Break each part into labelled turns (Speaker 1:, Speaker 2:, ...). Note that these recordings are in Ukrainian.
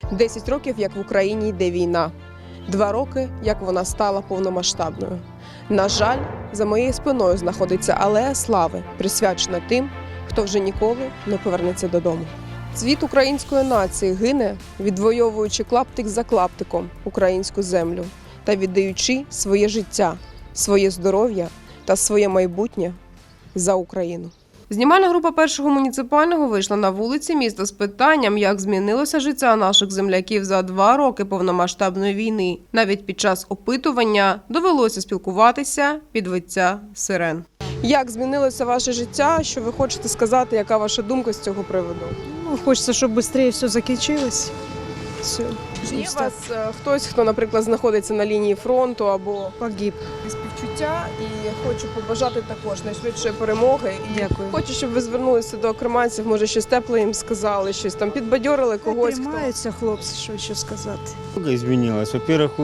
Speaker 1: 10 років, як в Україні йде війна. 2 роки, як вона стала повномасштабною. На жаль, за моєю спиною знаходиться алея слави, присвячена тим, хто вже ніколи не повернеться додому. Цвіт української нації гине, відвоюючи клаптик за клаптиком українську землю та віддаючи своє життя, своє здоров'я та своє майбутнє за Україну. Знімальна група першого муніципального вийшла на вулиці міста з питанням, як змінилося життя наших земляків за 2 роки повномасштабної війни. Навіть під час опитування довелося спілкуватися під виття сирен. Як змінилося ваше життя? Що ви хочете сказати? Яка ваша думка з цього приводу?
Speaker 2: Хочется, чтобы быстрее все закінчилось. Все.
Speaker 1: Чи є у вас хтось, хто, наприклад, знаходиться на лінії фронту або
Speaker 2: Погиб.
Speaker 1: співчуття, і хочу побажати також найшвидшої перемоги. І
Speaker 2: Дякую.
Speaker 1: хочу, щоб ви звернулися до окреманців, може щось тепле їм сказали, щось там підбадьорили когось.
Speaker 2: Тримаються хлопці, що ще сказати.
Speaker 3: Много изменилось. Во-первых,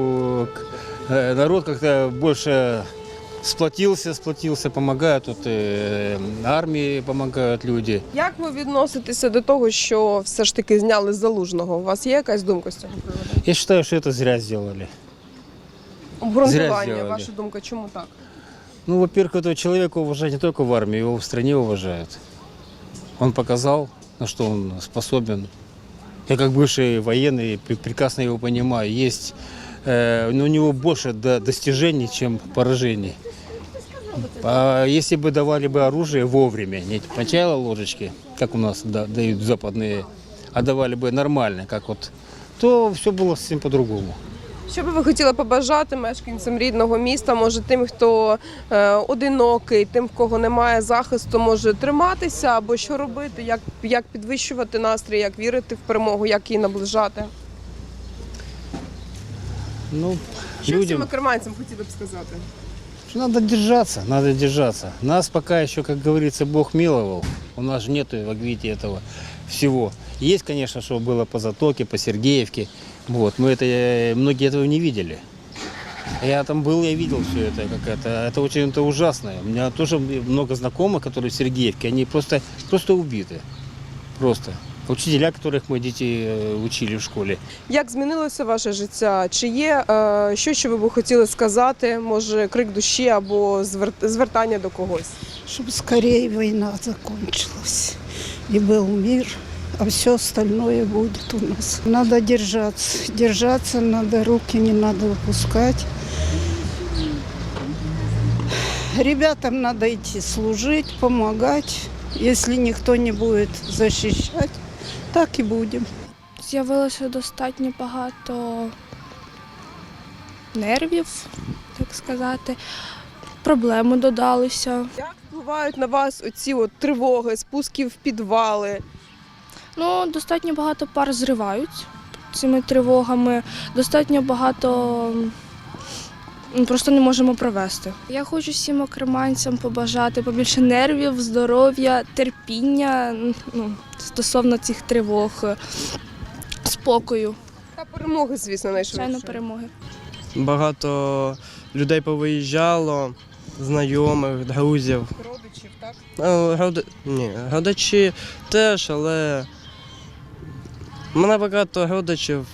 Speaker 3: народ как-то больше сплотился, помогает. Тут армии помогают люди.
Speaker 1: Як ви відноситеся до того, що все ж таки зняли з Залужного? У вас є якась думка з цього приводу?
Speaker 3: Я считаю, что это зря сделали.
Speaker 1: Обґрунтування,
Speaker 3: зробили.
Speaker 1: ваша думка, чому так?
Speaker 3: Ну, во-первых, этого человека уважать не только в армии, его в стране уважают. Он показал, на что он способен. Я как бывший военный прекрасно его понимаю. Есть, но у него больше достижений, чем поражений. А если бы давали бы оружие вовремя, не сначала ложечки, как у нас дают западные, а давали бы нормально, как вот, то все было совсем по-другому.
Speaker 1: Що би ви хотіли побажати мешканцям рідного міста, може тим, хто одинокий, тим, в кого немає захисту, може триматися або що робити, як підвищувати настрій, як вірити в перемогу, як її наближати?
Speaker 3: Ну,
Speaker 1: Що всім окреманцям хотіли б сказати?
Speaker 3: надо держаться. Нас пока еще, как говорится, Бог миловал. У нас же нету, как видите, этого всего. Есть, конечно, что было по Затоке, по Сергеевке. Вот, многие этого не видели. Я там был, я видел все это, это очень ужасно. У меня тоже много знакомых, которые в Сергеевке, они просто убиты. Просто. Учителя, которых мы дітей учили в школі.
Speaker 1: Як змінилося ваше життя? Чи є щось, що ви б хотіли сказати, може крик душі або звертання до когось?
Speaker 2: Чтобы скорее война закончилась и был мир, а все остальное будет у нас. Надо держаться, надо руки не надо выпускать. Ребятам надо идти служить, помогать. Если никто не будет защищать, так і будемо.
Speaker 4: З'явилося достатньо багато нервів, так сказати. Проблеми додалися.
Speaker 1: Як впливають на вас оці тривоги, спуски в підвали?
Speaker 4: Ну, достатньо багато пар зривають цими тривогами. Достатньо багато просто не можемо провести. Я хочу всім окреманцям побажати побільше нервів, здоров'я, терпіння стосовно цих тривог, спокою.
Speaker 1: Та перемоги, звісно,
Speaker 4: Звичайно,
Speaker 1: найшвидше.
Speaker 4: перемоги.
Speaker 5: Багато людей повиїжджало, знайомих, друзів.
Speaker 1: Родичів, так?
Speaker 5: Ні, родичі теж, але в мене багато родичів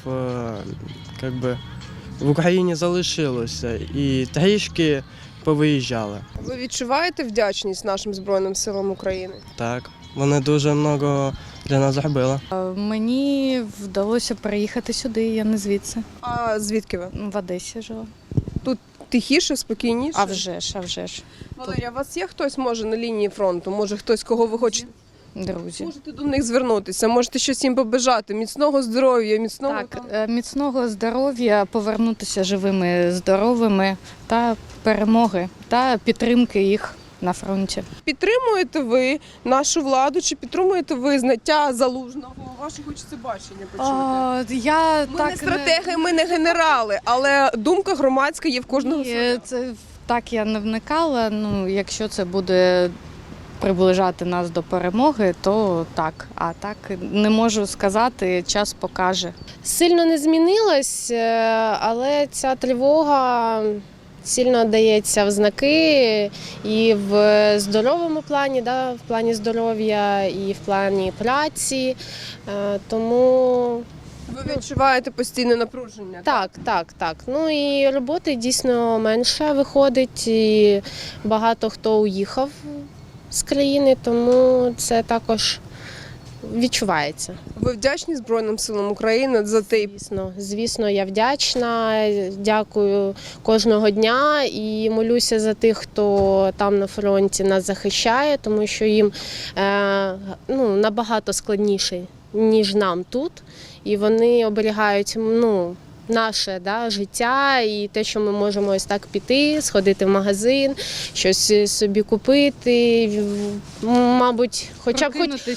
Speaker 5: в Україні залишилося і трішки повиїжджали.
Speaker 1: Ви відчуваєте вдячність нашим Збройним силам України?
Speaker 5: Так, вони дуже багато для нас зробили.
Speaker 6: Мені вдалося приїхати сюди, я не звідси.
Speaker 1: А звідки ви?
Speaker 6: В Одесі жила.
Speaker 1: Тихіше, спокійніше?
Speaker 6: А вже ж.
Speaker 1: Валерія, у вас є хтось, може, на лінії фронту? Може, хтось, кого ви хочете?
Speaker 6: Друзі.
Speaker 1: Можете до них звернутися, можете щось їм побажати. Міцного здоров'я, міцного...
Speaker 6: Так, міцного здоров'я, повернутися живими, здоровими та перемоги, та підтримки їх на фронті.
Speaker 1: Підтримуєте ви нашу владу, чи підтримуєте ви зняття Залужного? Ваше хочеться бачення почути.
Speaker 6: Я
Speaker 1: Ми не стратеги, ми не генерали, але думка громадська є в кожного своя.
Speaker 6: Так я не вникала, якщо це буде приближати нас до перемоги, то так. А так не можу сказати, час покаже.
Speaker 7: Сильно не змінилось, але ця тривога сильно дається в знаки і в здоровому плані, в плані здоров'я, і в плані праці. Тому
Speaker 1: Ви відчуваєте постійне напруження?
Speaker 7: Так. Ну і роботи дійсно менше виходить, і багато хто уїхав з країни, тому це також відчувається.
Speaker 1: Ви вдячні Збройним силам України за те,
Speaker 7: Звісно, я вдячна, дякую кожного дня і молюся за тих, хто там на фронті нас захищає, тому що їм набагато складніше, ніж нам тут. І вони оберігають наше життя і те, що ми можемо ось так піти, сходити в магазин, щось собі купити, мабуть, хоча б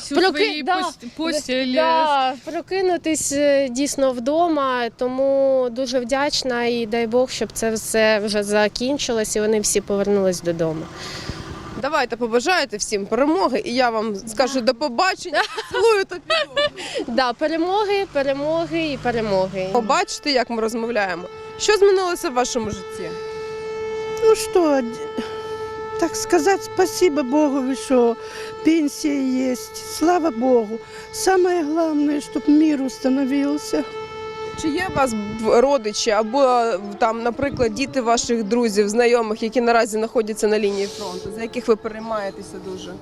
Speaker 7: прокинутись дійсно вдома. Тому дуже вдячна і дай Бог, щоб це все вже закінчилось і вони всі повернулись додому.
Speaker 1: давайте побажаєте всім перемоги, і я вам скажу до побачення, цілую та піду.
Speaker 7: Перемоги.
Speaker 1: Побачите, як ми розмовляємо. Що змінилося в вашому житті?
Speaker 2: Ну что, так сказать, спасибо Богу, что пенсия есть. Слава Богу. Самое главное, чтобы мир установился.
Speaker 1: Чи є у вас родичі або там, наприклад, діти ваших друзів, знайомих, які наразі знаходяться на лінії фронту, за яких ви переймаєтеся дуже?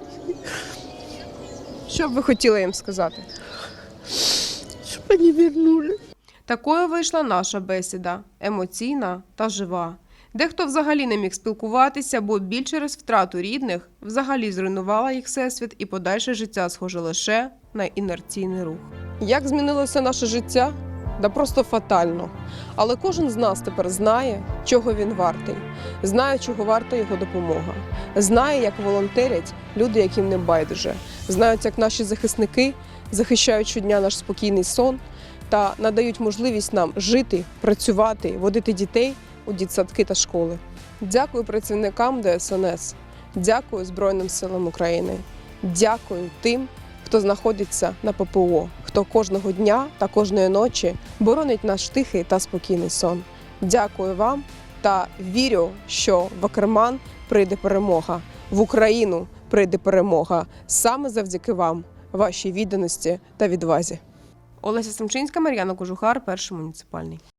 Speaker 1: Що б ви хотіли їм сказати?
Speaker 2: Чтобы они вернули.
Speaker 1: Такою вийшла наша бесіда – емоційна та жива. Дехто взагалі не міг спілкуватися, бо біль через втрату рідних взагалі зруйнувала їх всесвіт і подальше життя схоже лише на інерційний рух. Як змінилося наше життя? Да просто фатально. Але кожен з нас тепер знає, чого він вартий. Знає, чого варта його допомога. Знає, як волонтерять люди, яким не байдуже. Знають, як наші захисники захищають щодня наш спокійний сон та надають можливість нам жити, працювати, водити дітей у дитсадки та школи. Дякую працівникам ДСНС. Дякую Збройним силам України. Дякую тим, хто знаходиться на ППО, хто кожного дня та кожної ночі боронить наш тихий та спокійний сон. Дякую вам та вірю, що в Акерман прийде перемога, в Україну прийде перемога саме завдяки вам, вашій відданості та відвазі. Олеся Семчинська, Мар'яна Кожухар, Перший муніципальний.